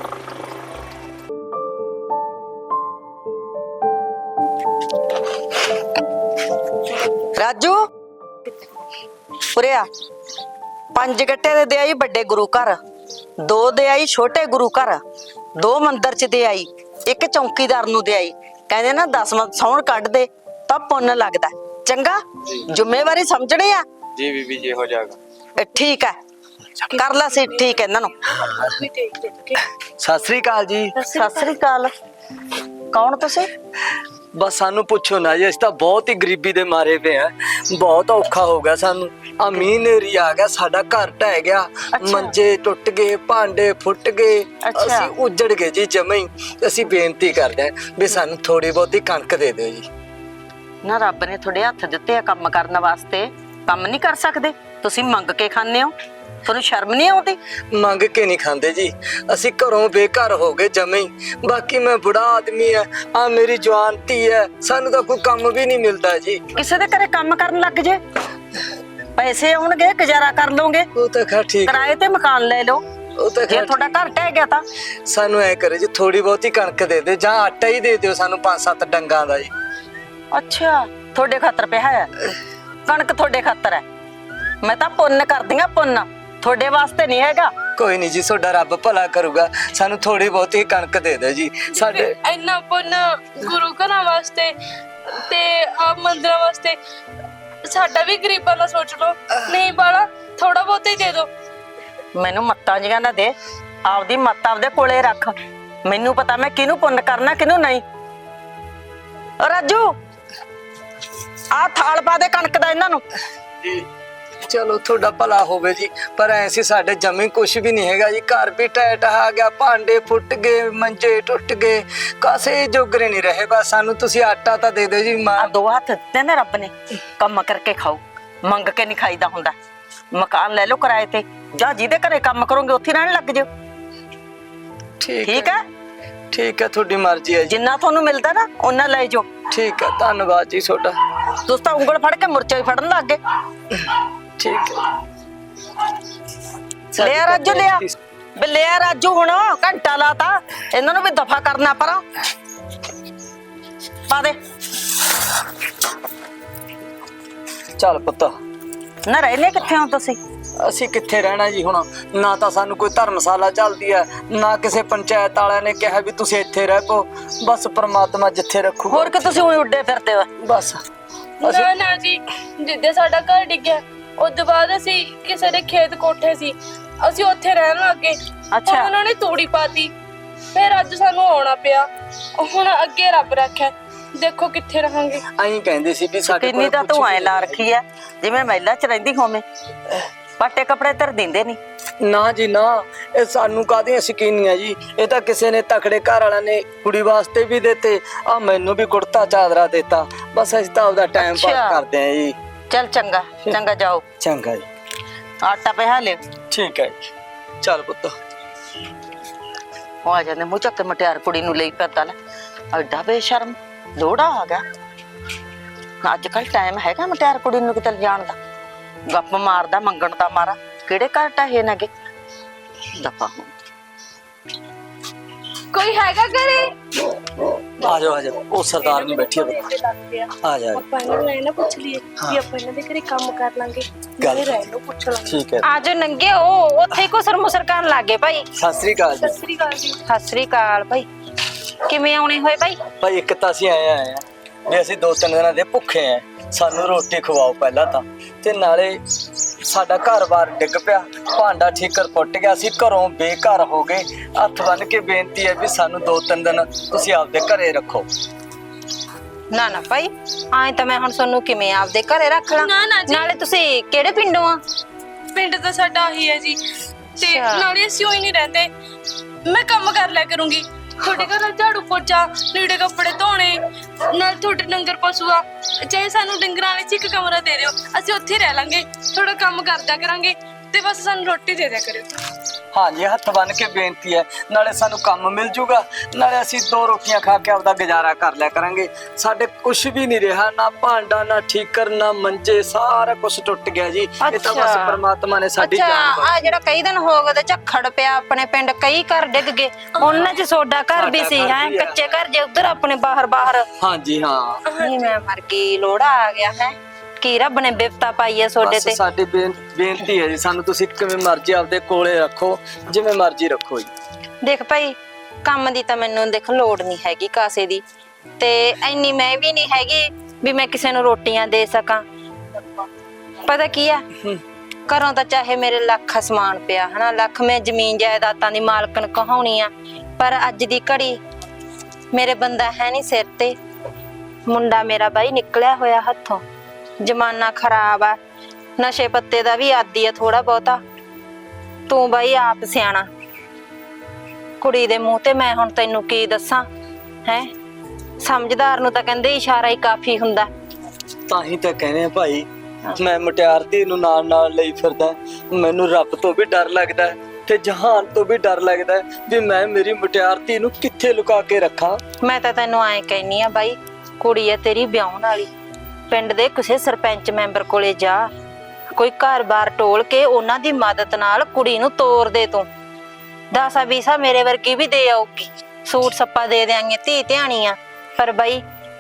Speaker 2: ਰਾਜੂ ਉਰੇ ਆ। 5 ਗੱਟੇ ਦੇ ਦੇ ਆਈ ਵੱਡੇ ਗੁਰੂ ਘਰ, 2 ਦੇ ਆਈ ਛੋਟੇ ਗੁਰੂ ਘਰ, 2 ਮੰਦਿਰ ਚ ਦੇ ਆਈ, 1 ਚੌਂਕੀਦਾਰ ਨੂੰ ਦੇ ਆਈ। ਕਹਿੰਦੇ ਨਾ 10ਵਾਂ ਸੌਣ ਕੱਢ ਦੇ ਤਾਂ ਪੁੰਨ ਲੱਗਦਾ। ਚੰਗਾ ਜ਼ਿੰਮੇਵਾਰੀ ਸਮਝਣੀ ਆ
Speaker 1: ਜੀ ਬੀਬੀ ਜੀ, ਹੋ ਜਾਏਗਾ।
Speaker 2: ਠੀਕ ਹੈ, ਕਰ ਲਾ ਸੀ ਠੀਕ ਇਹਨਾਂ ਨੂੰ।
Speaker 3: ਸਤਿ ਸ੍ਰੀ ਅਕਾਲ ਜੀ।
Speaker 2: ਸਤਿ ਸ੍ਰੀ ਅਕਾਲ। ਕੌਣ ਤੁਸੀਂ?
Speaker 3: ਬਸ ਸਾਨੂੰ ਪੁੱਛੋ ਨਾ ਜੀ, ਅਸੀਂ ਤਾਂ ਬਹੁਤ ਹੀ ਗਰੀਬੀ ਦੇ ਮਾਰੇ ਪਏ ਆ, ਬਹੁਤ ਔਖਾ ਹੋ ਗਿਆ ਸਾਨੂੰ। ਆ ਮੀਂਹ ਨੇਰੀ ਆ ਗਿਆ, ਸਾਡਾ ਘਰ ਢਹਿ ਗਿਆ, ਮੰਜੇ ਟੁੱਟ ਗਏ, ਭਾਂਡੇ ਫੁੱਟ ਗਏ, ਅਸੀਂ ਉੱਜੜ ਗਏ ਜੀ ਜਮੇ ਹੀ। ਅਸੀਂ ਬੇਨਤੀ ਕਰਦੇ ਹਾਂ ਵੀ ਸਾਨੂੰ ਥੋੜੀ ਬਹੁਤੀ ਕਣਕ ਦੇ ਦਿਓ ਜੀ।
Speaker 2: ਨਾ ਰੱਬ ਨੇ ਤੁਹਾਡੇ ਹੱਥ ਦਿੱਤੇ ਆ ਕੰਮ ਕਰਨ ਵਾਸਤੇ, ਕੰਮ ਨਹੀਂ ਕਰ ਸਕਦੇ? ਤੁਸੀਂ ਮੰਗ ਕੇ ਖਾਂਦੇ ਹੋ, ਤੁਹਾਨੂੰ ਸ਼ਰਮ ਨਹੀਂ ਆਉਂਦੀ?
Speaker 3: ਮੰਗ ਕੇ ਨਹੀਂ ਖਾਂਦੇ ਜੀ, ਅਸੀਂ ਘਰੋਂ ਬੇਘਰ ਹੋ ਗਏ ਜਮੇ ਹੀ। ਬਾਕੀ ਮੈਂ ਬੁੜਾ ਆਦਮੀ ਆ, ਆ ਮੇਰੀ ਜਵਾਨ ਧੀ ਹੈ, ਸਾਨੂੰ ਤਾਂ ਕੋਈ ਕੰਮ ਵੀ ਨਹੀਂ ਮਿਲਦਾ ਜੀ।
Speaker 2: ਕਿਸੇ ਦੇ ਘਰੇ ਕੰਮ ਕਰਨ ਲੱਗ ਜੇ, ਪੈਸੇ ਆਉਣਗੇ, ਗੁਜ਼ਾਰਾ ਕਰ ਲਓਗੇ।
Speaker 3: ਉਹ ਤਾਂ ਖੈਰ ਠੀਕ,
Speaker 2: ਕਿਰਾਏ ਤੇ ਮਕਾਨ ਲੈ ਲਓ।
Speaker 3: ਉਹ ਤਾਂ
Speaker 2: ਜੇ ਤੁਹਾਡਾ ਘਰ ਢਹਿ ਗਿਆ ਤਾਂ
Speaker 3: ਸਾਨੂੰ ਐ ਕਰੇ ਜੀ, ਥੋੜੀ ਬਹੁਤੀ ਕਣਕ ਦੇ ਦੇ ਜਾਂ ਆਟਾ ਹੀ ਦੇ ਦਿਓ ਸਾਨੂੰ 5-7 ਡੰਗਾਂ ਦਾ ਜੀ।
Speaker 2: ਅੱਛਾ ਤੁਹਾਡੇ ਖਾਤਰ ਪਿਆ ਹੈ ਕਣਕ, ਤੁਹਾਡੇ ਖਾਤਰ ਹੈ। ਮੈਂ ਤਾਂ ਪੁੰਨ ਕਰਦੀ ਆ, ਪੁੰਨ ਤੁਹਾਡੇ ਵਾਸਤੇ ਨਹੀਂ ਹੈਗਾ।
Speaker 3: ਕੋਈ ਨਹੀਂ ਜੀ, ਤੁਹਾਡਾ ਰੱਬ ਭਲਾ ਕਰੂਗਾ, ਸਾਨੂੰ ਥੋੜੀ ਬਹੁਤੀ ਕਣਕ ਦੇ ਦਿਓ ਜੀ। ਸਾਡੇ
Speaker 5: ਇੰਨਾ ਪੁੰਨ ਗੁਰੂ ਘਰਾਂ ਵਾਸਤੇ ਤੇ ਆ ਮੰਦਿਰਾਂ ਵਾਸਤੇ, ਸਾਡਾ ਵੀ ਗਰੀਬਾਂ ਦਾ ਸੋਚ ਲਓ। ਨਹੀਂ ਬਾਲਾ, ਥੋੜਾ ਬਹੁਤਾ ਹੀ ਦੇ ਦਿਓ।
Speaker 2: ਮੈਨੂੰ ਮੱਤਾਂ ਜੀਆਂ ਨਾ ਦੇ, ਆਪਦੀ ਮੱਤ ਆਪਦੇ ਕੋਲੇ ਰੱਖ। ਮੈਨੂੰ ਪਤਾ ਮੈਂ ਕਿਹਨੂੰ ਪੁੰਨ ਕਰਨਾ ਕਿਹਨੂੰ ਨਹੀਂ। ਰਾਜੂ ਆ ਥਾਲ ਪਾ ਦੇ ਕਣਕ ਦਾ ਇਹਨਾਂ ਨੂੰ।
Speaker 3: ਜੀ ਚਲੋ ਤੁਹਾਡਾ ਭਲਾ ਹੋਵੇ ਜੀ, ਪਰ ਐਸੀ ਸਾਡੇ ਜਮੀ ਕੁਛ ਵੀ ਨਹੀਂ ਹੈਗਾ ਜੀ। ਘਰ ਵੀ ਟੈਟ ਆ ਗਿਆ, ਭਾਂਡੇ ਫੁੱਟ ਗਏ, ਮੰਜੇ ਟੁੱਟ ਗਏ, ਕਾਸੇ ਜੋਗਰੇ ਨਹੀਂ ਰਹੇ। ਬਸ ਸਾਨੂੰ ਤੁਸੀਂ ਆਟਾ ਤਾਂ ਦੇ ਦਿਓ ਜੀ। ਮਾਂ
Speaker 2: 2 ਹੱਥ ਦਿੱਤੇ ਨੇ ਰੱਬ ਨੇ, ਕੰਮ ਕਰਕੇ ਖਾਓ, ਮੰਗ ਕੇ ਨਹੀਂ ਖਾਈਦਾ ਹੁੰਦਾ। ਮਕਾਨ ਲੈ ਲਓ ਕਿਰਾਏ ਤੇ, ਜਾਂ ਜਿਹਦੇ ਘਰੇ ਕੰਮ ਕਰੋਗੇ ਉੱਥੇ ਰਹਿਣ ਲੱਗ ਜਿਓ। ਠੀਕ ਹੈ?
Speaker 3: ਠੀਕ ਹੈ, ਤੁਹਾਡੀ ਮਰਜ਼ੀ ਹੈ ਜੀ।
Speaker 2: ਜਿੰਨਾ ਤੁਹਾਨੂੰ ਮਿਲਦਾ ਨਾ ਉਹਨਾਂ ਲੈ ਜਾਓ।
Speaker 3: ਠੀਕ ਹੈ, ਧੰਨਵਾਦ ਜੀ ਤੁਹਾਡਾ।
Speaker 2: ਤੁਸੀਂ ਤਾਂ ਉਂਗਲ ਫੜ ਕੇ ਮੁਰਚਾ ਹੀ ਫੜਨ ਲੱਗ ਗਏ।
Speaker 3: ਠੀਕ ਹੈ,
Speaker 2: ਲਿਆ ਰਾਜੂ, ਲਿਆ ਬੇ, ਲਿਆ ਰਾਜੂ। ਹੁਣ ਘੰਟਾ ਲਾਤਾ, ਇਹਨਾਂ ਨੂੰ ਵੀ ਦਫਾ ਕਰਨਾ ਪਰਾਂ। ਪਾ ਦੇ।
Speaker 3: ਚੱਲ ਪੁੱਤ।
Speaker 2: ਨਾ ਰਹਿਨੇ ਕਿੱਥੇ ਹੋ ਤੁਸੀਂ?
Speaker 3: ਅਸੀਂ ਕਿੱਥੇ ਰਹਿਣਾ ਜੀ ਹੁਣ, ਨਾ ਤਾਂ ਸਾਨੂੰ ਕੋਈ ਧਰਮਸ਼ਾਲਾ ਚੱਲਦੀ ਹੈ, ਨਾ ਕਿਸੇ ਪੰਚਾਇਤ ਵਾਲਿਆਂ ਨੇ ਕਿਹਾ ਵੀ ਤੁਸੀਂ ਇੱਥੇ ਰਹਿ ਪੋ। ਬਸ ਪ੍ਰਮਾਤਮਾ ਜਿੱਥੇ ਰੱਖੂ।
Speaker 2: ਹੋਰ ਕਿ ਤੁਸੀਂ ਉਈ ਉੱਡੇ ਫਿਰਦੇ ਹੋ?
Speaker 3: ਬਸ
Speaker 5: ਨਾ ਨਾ ਜੀ, ਜਿੱਦੇ ਸਾਡਾ ਘਰ ਡਿੱਗਿਆ ਉਸ ਤੋਂ ਬਾਅਦ ਅਸੀਂ ਕਿਸੇ ਦੇ ਖੇਤ ਕੋਠੇ ਸੀ, ਅਸੀਂ ਉੱਥੇ ਰਹਿਣ ਲੱਗ ਗਏ।
Speaker 2: ਅੱਛਾ।
Speaker 5: ਉਹਨਾਂ ਨੇ ਤੂੜੀ ਪਾਤੀ, ਫਿਰ ਅੱਜ ਸਾਨੂੰ ਆਉਣਾ ਪਿਆ। ਹੁਣ ਅੱਗੇ ਰੱਬ ਰੱਖਿਆ, ਦੇਖੋ ਕਿੱਥੇ ਰਹਾਂਗੇ।
Speaker 3: ਐਂ ਕਹਿੰਦੇ ਸੀ ਵੀ ਸਾਡੇ
Speaker 2: ਕਿੰਨੀ ਤਾਂ ਤੂੰ ਐ ਲਾ ਰੱਖੀ ਐ ਜਿਵੇਂ ਮਹਿਲਾ ਚ ਰਹਿੰਦੀ ਹੋਵੇਂ। ਪਾਟੇ ਕੱਪੜੇ ਧਰ ਦਿੰਦੇ ਨਹੀਂ।
Speaker 3: ਨਾ ਜੀ ਨਾ, ਇਹ ਸਾਨੂੰ ਕਾਹਦੀਆਂ ਸ਼ਕੀਨੀਆਂ ਜੀ। ਇਹ ਤਾਂ ਕਿਸੇ ਨੇ ਤਕੜੇ ਘਰ ਵਾਲਿਆਂ ਨੇ ਕੁੜੀ ਵਾਸਤੇ ਵੀ ਦਿੱਤੇ, ਆ ਮੈਨੂੰ ਵੀ ਕੁੜਤਾ ਚਾਦਰਾ ਦਿੱਤਾ। ਬਸ ਅਸੀਂ ਤਾਂ ਆਪਦਾ ਟਾਈਮ ਪਾਸ
Speaker 2: ਅੱਛਾ।
Speaker 3: ਕਰਦੇ ਆਂ ਜੀ।
Speaker 2: ਚੱਲ ਚੰਗਾ ਚੰਗਾ, ਜਾਓ
Speaker 3: ਚੰਗਾ ਜੀ,
Speaker 2: ਆਟਾ ਪਿਹਾ ਲਿਓ।
Speaker 3: ਠੀਕ ਹੈ ਜੀ। ਚੱਲ ਪੁੱਤ।
Speaker 2: ਉਹ ਆ ਜਾਂਦੇ ਮੂੰਹ ਚੱਕ ਕੇ ਮਟਿਆਰ ਕੁੜੀ ਨੂੰ ਲਈ ਫਿਰਦਾ ਲੈ, ਐਡਾ ਬੇਸ਼ਰਮ। ਲੋੜਾ ਆ ਗਿਆ। ਅੱਜ ਕੱਲ ਟਾਈਮ ਹੈਗਾ ਮਟਿਆਰ ਕੁੜੀ ਨੂੰ ਕਿਤੇ ਜਾਣ ਦਾ? ਗੱਪ ਮਾਰਦਾ ਮੰਗਣ ਦਾ ਮਾਰਾ। ਕਿਹੜੇ ਘਰ ਟਾਹੇ ਨੇਗੇ ਦਫਾ ਹੁਣ।
Speaker 5: ਕੋਈ ਹੈਗਾ ਘਰੇ?
Speaker 3: ਆ ਜਾਓ ਆ ਜਾਓ, ਉਹ ਸਰਦਾਰ ਨਹੀਂ ਬੈਠੀ ਹੈ। ਆ ਜਾ
Speaker 5: ਆਪਾਂ ਇਹਨਾਂ ਨੂੰ ਇਹ ਨਾ ਪੁੱਛ ਲਈਏ ਕਿ ਆਪਾਂ ਇਹਨਾਂ ਦੇ ਘਰੇ ਕੰਮ ਕਰ ਲਾਂਗੇ, ਨਾਲੇ ਰਹਿਣ ਨੂੰ ਪੁੱਛ ਲਾਂਗੇ।
Speaker 3: ਠੀਕ ਹੈ।
Speaker 4: ਆਜੋ ਨੰਗੇ ਉਹ ਉੱਥੇ ਕੋ ਸਰਮੁਸਰ ਕਰਨ ਲੱਗੇ ਭਾਈ।
Speaker 3: ਸਤਿ ਸ੍ਰੀ ਅਕਾਲ ਜੀ।
Speaker 5: ਸਤਿ ਸ੍ਰੀ ਅਕਾਲ ਜੀ।
Speaker 4: ਸਤਿ ਸ੍ਰੀ ਅਕਾਲ ਭਾਈ, ਕਿਵੇਂ ਆਉਣੇ ਹੋਏ ਭਾਈ?
Speaker 3: ਭਾਈ ਇੱਕ ਤਾਂ ਅਸੀਂ ਆਏ ਆ ਵੀ ਅਸੀਂ 2-3 ਦਿਨਾਂ ਦੇ ਭੁੱਖੇ ਆ, ਸਾਨੂੰ ਰੋਟੀ ਖਵਾਓ ਪਹਿਲਾਂ ਤਾਂ। ਤੇ ਨਾਲੇ ਸਾਡਾ ਘਰ-ਬਾਰ ਡਿੱਗ ਪਿਆ, ਭਾਂਡਾ ਠੀਕਰ ਫੁੱਟ ਗਿਆ, ਅਸੀਂ ਘਰੋਂ ਬੇਘਰ ਹੋ ਗਏ। ਹੱਥ ਬੰਨ ਕੇ ਬੇਨਤੀ ਹੈ ਵੀ ਸਾਨੂੰ 2-3 ਦਿਨ ਤੁਸੀਂ ਆਪਦੇ ਘਰੇ ਰੱਖੋ।
Speaker 4: ਨਾ ਨਾ ਭਾਈ, ਆਏ ਤਾਂ ਮੈਂ ਹੁਣ ਤੁਹਾਨੂੰ ਕਿਵੇਂ ਆਪਦੇ ਘਰੇ ਰੱਖ ਲਾਂ?
Speaker 5: ਨਾ, ਨਾ ਜੀ।
Speaker 4: ਨਾਲੇ ਤੁਸੀਂ ਕਿਹੜੇ ਪਿੰਡੋਂ ਆ?
Speaker 5: ਪਿੰਡ ਤਾਂ ਸਾਡਾ ਆਹੀ ਹੈ ਜੀ, ਤੇ
Speaker 4: ਅੱਛਾ।
Speaker 5: ਨਾਲੇ ਅਸੀਂ ਉਹੀ ਨਹੀਂ ਰਹਿੰਦੇ। ਮੈਂ ਕੰਮ ਕਰ ਲਿਆ ਕਰੂੰਗੀ, ਤੁਹਾਡੇ ਘਰ ਝਾੜੂ ਪੋਚਾ, ਲੀੜੇ ਕੱਪੜੇ ਧੋਣੇ, ਨਾਲ ਤੁਹਾਡੇ ਡੰਗਰ ਪਸ਼ੂ ਆ, ਚਾਹੇ ਸਾਨੂੰ ਡੰਗਰਾਂ ਵਿੱਚ ਇੱਕ ਕਮਰਾ ਦੇ ਦਿਓ, ਅਸੀਂ ਉੱਥੇ ਰਹਿ ਲਾਂਗੇ। ਥੋੜਾ ਕੰਮ ਕਰਦਿਆ ਕਰਾਂਗੇ ਤੇ ਬਸ ਸਾਨੂੰ ਰੋਟੀ ਦੇ ਦਿਆ ਕਰਿਓ।
Speaker 3: ਹਾਂਜੀ, ਹੱਥ ਬੰਨ ਕੇ ਬੇਨਤੀ ਹੈ, ਨਾਲੇ ਸਾਨੂੰ ਕੰਮ ਮਿਲ ਜੂਗਾ, ਨਾਲੇ ਅਸੀਂ 2 ਰੋਟੀਆਂ ਖਾ ਕੇ ਆਪਦਾ ਗੁਜ਼ਾਰਾ ਕਰ ਲਿਆ ਕਰਾਂਗੇ। ਸਾਡੇ ਕੁਝ ਵੀ ਨਹੀਂ ਰਿਹਾ, ਨਾ ਭਾਂਡਾ, ਨਾ ਠੀਕਰ, ਨਾ ਮੰਜੇ, ਸਾਰਾ ਕੁਝ ਟੁੱਟ ਗਿਆ ਜੀ। ਇਹ ਤਾਂ ਬਸ
Speaker 4: ਅੱਛਾ।
Speaker 3: ਪਰਮਾਤਮਾ ਨੇ ਸਾਡੀ
Speaker 4: ਅੱਛਾ,
Speaker 3: ਜਾਨ
Speaker 4: ਆ ਜਿਹੜਾ ਕਈ ਦਿਨ ਹੋ ਗਏ ਤੇ ਝੱਖੜ ਪਿਆ ਆਪਣੇ ਪਿੰਡ, ਕਈ ਘਰ ਡਿੱਗ ਗਏ, ਉਹਨਾਂ 'ਚ ਸੋਡਾ ਘਰ ਵੀ ਸੀ
Speaker 3: ਸਾਡਾ
Speaker 4: ਹੈ,
Speaker 3: ਘਰ ਵੀ ਹੈ।
Speaker 4: ਕੱਚੇ ਘਰ ਜੇ ਉਧਰ ਆਪਣੇ ਬਾਹਰ
Speaker 3: ਹਾਂਜੀ ਹਾਂ।
Speaker 4: ਨਹੀਂ ਮੈਂ ਮਰ ਗਈ, ਲੋੜਾ ਆ ਗਿਆ ਹੈ। ਕੀ ਰੱਬ ਨੇ ਬਿਪਤਾ ਪਾਈ ਹੈ ਸੋਡੇ
Speaker 3: ਬਸ
Speaker 4: ਤੇ।
Speaker 3: ਸਾਡੀ ਬੇਨਤੀ ਹੈ ਜੀ, ਸਾਨੂੰ ਤੁਸੀਂ ਕਿਵੇਂ ਮਰਜ਼ੀ ਆਪਦੇ ਕੋਲੇ ਰੱਖੋ, ਜਿਵੇਂ ਮਰਜ਼ੀ ਰੱਖੋ ਜੀ।
Speaker 4: ਦੇਖ ਭਾਈ, ਕੰਮ ਦੀ ਤਾਂ ਮੈਨੂੰ ਦੇਖ ਲੋੜ ਨਹੀਂ ਹੈਗੀ ਕਾਸੇ ਦੀ, ਤੇ ਐਨੀ ਮੈਂ ਵੀ ਨਹੀਂ ਹੈਗੀ ਵੀ ਮੈਂ ਕਿਸੇ ਨੂੰ ਰੋਟੀਆਂ ਦੇ ਸਕਾਂ। ਪਤਾ ਕੀ ਆ, ਘਰੋਂ ਤਾਂ ਚਾਹੇ ਮੇਰੇ ਲੱਖ ਅਸਮਾਨ ਪਿਆ ਹਨਾ, ਲੱਖ ਮੈਂ ਜ਼ਮੀਨ ਜਾਇਦਾਦਾਂ ਦੀ ਮਾਲਕਣ ਕਹਾਉਣੀ ਆ, ਪਰ ਅੱਜ ਦੀ ਘੜੀ ਮੇਰੇ ਬੰਦਾ ਹੈ ਨਹੀਂ ਸਿਰ ਤੇ। ਮੁੰਡਾ ਮੇਰਾ ਬਾਈ ਨਿਕਲਿਆ ਹੋਇਆ ਹੱਥੋਂ, ਜ਼ਮਾਨਾ ਖਰਾਬ ਆ, ਨਸ਼ੇ ਪੱਤੇ ਦਾ ਵੀ ਆਦੀ ਆ ਥੋੜਾ ਬਹੁਤਾ। ਤੂੰ ਬਾਈ ਆਪ ਸਿਆਣਾ, ਕੁੜੀ ਦੇ ਮੂੰਹ ਤੇ ਮੈਂ ਹੁਣ ਤੈਨੂੰ ਕੀ ਦੱਸਾਂ ਹੈ? ਸਮਝਦਾਰ ਨੂੰ ਤਾਂ ਕਹਿੰਦੇ ਇਸ਼ਾਰਾ ਹੀ ਕਾਫੀ ਹੁੰਦਾ।
Speaker 3: ਤਾਂ ਹੀ ਤਾਂ ਕਹਿੰਦੇ ਆ ਭਾਈ, ਮੈਂ ਮੁਟਿਆਰ ਧੀ ਨੂੰ ਨਾਲ ਲਈ ਫਿਰਦਾ। ਮੈਨੂੰ ਰੱਬ ਤੋਂ ਵੀ ਡਰ ਲੱਗਦਾ ਤੇ ਜਹਾਨ ਤੋਂ ਵੀ ਡਰ ਲੱਗਦਾ ਵੀ ਮੈਂ ਮੇਰੀ ਮੁਟਿਆਰ ਧੀ ਨੂੰ ਕਿੱਥੇ ਲੁਕਾ ਕੇ ਰੱਖਾਂ।
Speaker 4: ਮੈਂ ਤਾਂ ਤੈਨੂੰ ਐਂ ਕਹਿਨੀ ਆ ਬਾਈ, ਕੁੜੀ ਆ ਤੇਰੀ ਵਿਆਹੁਣ ਵਾਲੀ, ਪਿੰਡ ਦੇ ਕਿਸੇ ਸਰਪੰਚ ਮੈਂਬਰ ਕੋਲੇ ਜਾ, ਕੋਈ ਘਰ-ਬਾਰ ਟੋਲ ਕੇ ਉਹਨਾਂ ਦੀ ਮਦਦ ਨਾਲ ਕੁੜੀ ਨੂੰ ਤੋਰ ਦੇ ਤੂੰ। 10-20 ਮੇਰੇ ਵਰਗੀ ਵੀ ਦੇ ਆਉਗੀ, ਸੂਟ ਸੱਪਾ ਦੇ ਦਿਆਂਗੇ, ਧੀ ਧਿਆਣੀਆਂ। ਪਰ ਬਾਈ